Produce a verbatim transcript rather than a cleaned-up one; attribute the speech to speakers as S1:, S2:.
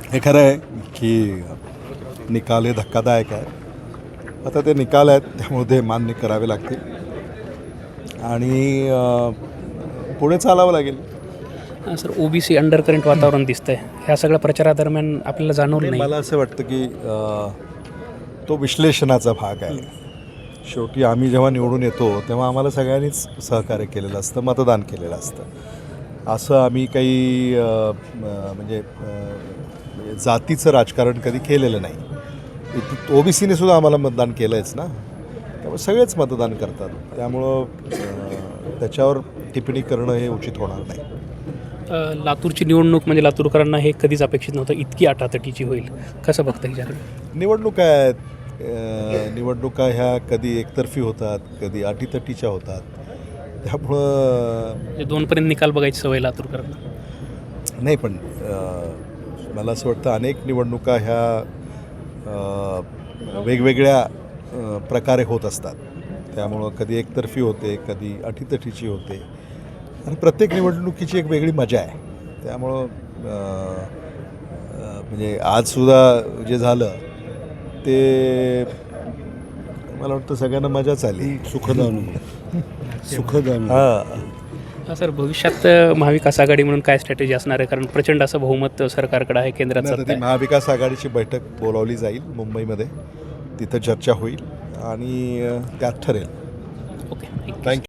S1: हे खरं आहे की निकाल हे धक्कादायक आहे. आता ते निकाल आहेत त्यामुळे ते मान्य करावे लागतील आणि अ, पुढे चालावं लागेल.
S2: हां सर, ओबीसी अंडर करंट वातावरण दिसतंय. ह्या सगळ्या प्रचारादरम्यान आपल्याला जाणवलं
S1: आणि
S2: नाही.
S1: मला असं वाटतं की अ, तो विश्लेषणाचा भाग आहे. शेवटी आम्ही जेव्हा निवडून येतो तेव्हा आम्हाला सगळ्यांनीच सहकार्य केलेलं असतं, मतदान केलेलं असतं. असं आम्ही काही अ, म- म्हणजे अ, जातीचं राजकारण कधी केलेलं नाही. ओबीसीने सुद्धा आम्हाला मतदान केलं आहेच ना, त्यामुळे सगळेच मतदान करतात. त्यामुळं अ, त्याच्यावर टिप्पणी करणं हे उचित होणार नाही.
S2: अ, लातूरची निवडणूक म्हणजे लातूरकरांना हे कधीच अपेक्षित नव्हतं इतकी आटातटीची होईल. कसं बघता ह्याच्याकडे?
S1: निवडणुका आहेत. अ, निवडणुका ह्या कधी एकतर्फी होतात, कधी अटीतटीच्या होतात. त्यामुळं
S2: म्हणजे दोनपर्यंत निकाल बघायची सवय लातूरकरांना.
S1: नाही, पण अ, मला असं वाटतं अनेक निवडणुका ह्या अ, वेगवेगळ्या अ, प्रकारे होत असतात. त्यामुळं कधी एकतर्फी होते, कधी अटीतटीची होते आणि प्रत्येक निवडणुकीची एक वेगळी मजा आहे. त्यामुळं अ, अ, म्हणजे आजसुद्धा जे झालं ते मला वाटतं सगळ्यांना मजाच आली.
S3: सुखद अनुभव सुखद अनुभव
S1: हां.
S2: हां सर, भविष्यात अ, महाविकास आघाडी म्हणून काय स्ट्रॅटेजी असणार आहे? कारण प्रचंड असं बहुमत सरकारकडे आहे, केंद्रात
S1: नाही, आता
S2: सत्ता
S1: ती
S2: आहे.
S1: महाविकास आघाडीची बैठक बोलावली जाईल मुंबईमध्ये. तिथं चर्चा होईल आणि अ, त्यात ठरेल.
S2: Okay, thank you.
S1: थँक्यू.